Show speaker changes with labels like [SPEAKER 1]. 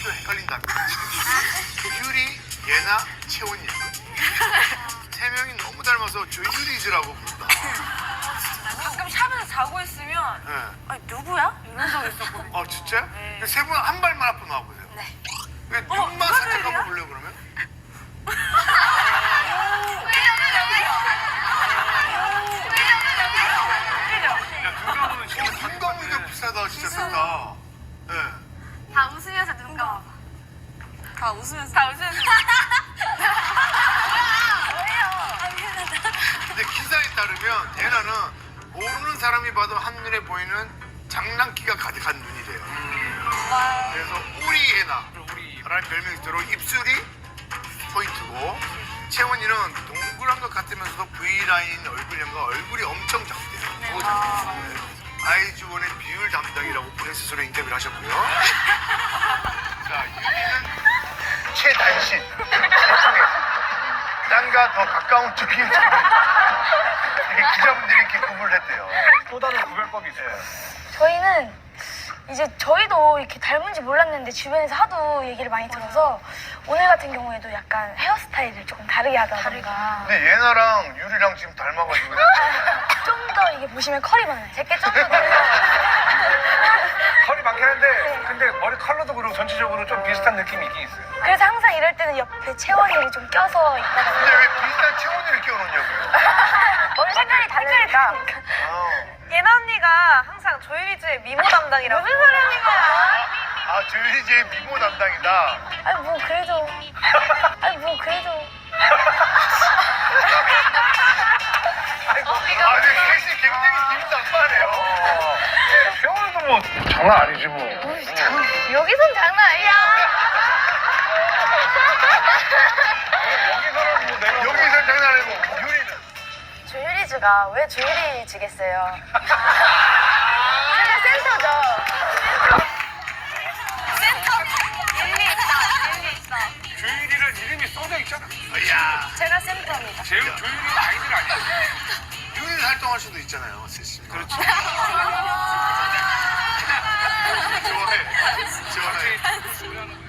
[SPEAKER 1] 이름도 헷갈린답니다. 유리, 예나, 채원이야. 세 명이 너무 닮아서 조유리즈라고 부른다.
[SPEAKER 2] 가끔 샵에서 자고 있으면
[SPEAKER 1] 네.
[SPEAKER 2] 아니 누구야? 이런 적 있었거든요.
[SPEAKER 1] 아 진짜?
[SPEAKER 2] 네.
[SPEAKER 1] 세 분 한 발만 앞으로 나와보세요.
[SPEAKER 2] 네.
[SPEAKER 1] 눈만
[SPEAKER 2] 누가
[SPEAKER 1] 살짝
[SPEAKER 2] 조유리야?
[SPEAKER 1] 한번 볼래요 그러면? 야 눈감으면 진짜 눈감으니까 비싸다 진짜 싸다. 네.
[SPEAKER 2] 다 웃으면서 눈 감아봐. 다 웃으면서. 다 웃으면서.
[SPEAKER 1] 근데 기사에 따르면 예나는 모르는 사람이 봐도 한눈에 보이는 장난기가 가득한 눈이래요. 그래서 우리 예나라는 별명이 있도록 입술이 포인트고 채원이는 동그란 것 같으면서도 V라인 얼굴형과 얼굴이 엄청 작대요. 네. 아이즈원의 비율 담당이라고 본인 스스로 인터뷰를 하셨고요. 자, 유리는 최단신, 최중에 딴과 더 가까운 쪽이 기자분들이 이렇게 구분을 했대요. 또 다른 구별법이 있어요.
[SPEAKER 3] 저희는 이제 저희도 이렇게 닮은지 몰랐는데 주변에서 하도 얘기를 많이 들어서 오늘 같은 경우에도 약간 헤어스타일을 조금 다르게 하다던가
[SPEAKER 1] 근데 예나랑 유리랑 지금 닮아가지고
[SPEAKER 3] 좀 더 이게 보시면 컬이 많아요. 제게 좀 더
[SPEAKER 4] 컬이 많긴 한데 근데 머리 컬러도 그렇고 전체적으로 좀 비슷한 느낌이 있긴 있어요.
[SPEAKER 3] 그래서 항상 이럴 때는 옆에 채원이를 좀 껴서
[SPEAKER 1] 근데
[SPEAKER 3] 있다가
[SPEAKER 1] 왜 비슷한 채원이를 끼워놓냐고요?
[SPEAKER 3] 머리 색깔이 다르니까
[SPEAKER 2] 예나 언니가 항상 조유리즈의 미모 담당이라고. 무슨 소리 하는 거야?
[SPEAKER 1] 아, 조유리즈의 미모 담당이다.
[SPEAKER 3] 아니 뭐 그래도
[SPEAKER 1] 아, 근데 셋이 굉장히 비슷하네요.
[SPEAKER 4] 세월도 뭐 장난 아니지 뭐.
[SPEAKER 3] 여기선 장난 아니야.
[SPEAKER 4] 여기서는 뭐 내가
[SPEAKER 1] 여기서 장난 아니고 유리는
[SPEAKER 3] 조유리즈가 왜 조유리즈겠어요? 제가 센터죠.
[SPEAKER 2] 일리 있다.
[SPEAKER 4] 조율이란 이름이 써져 있잖아.
[SPEAKER 1] 야,
[SPEAKER 2] 제가 센터입니다.
[SPEAKER 4] 조율이 아이들 아니야.
[SPEAKER 1] 유리는 활동할 수도 있잖아요, 셋이. 그렇죠. 좋아해.